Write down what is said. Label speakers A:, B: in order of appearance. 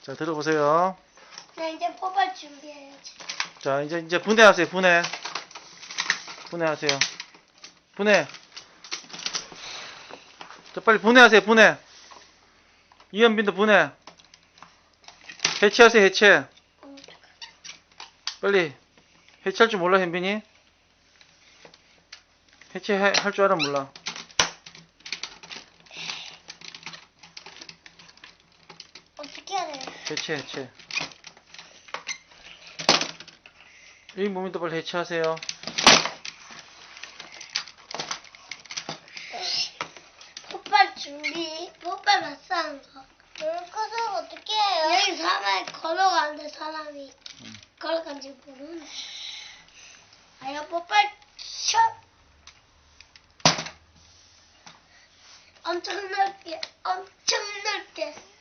A: 자, 들어보세요.
B: 네, 이제 뽑을 준비해야지.
A: 자, 이제 분해하세요. 분해하세요. 분해. 자, 빨리 분해하세요. 분해. 이현빈도 분해. 해체하세요. 해체. 빨리. 해체할 줄 몰라, 현빈이? 해체할 줄 알아, 몰라?
B: 어떻게 해야 돼?
A: 해체. 이 몸인도 빨리 해체하세요.
B: 폭발 준비. 폭발 맞싸는 거. 물 꺼서 어떻게 해요? 여기 사람이 걸어가는데 사람이 걸어간지 모르는데. 아야 폭발 샷. 엄청 넓게.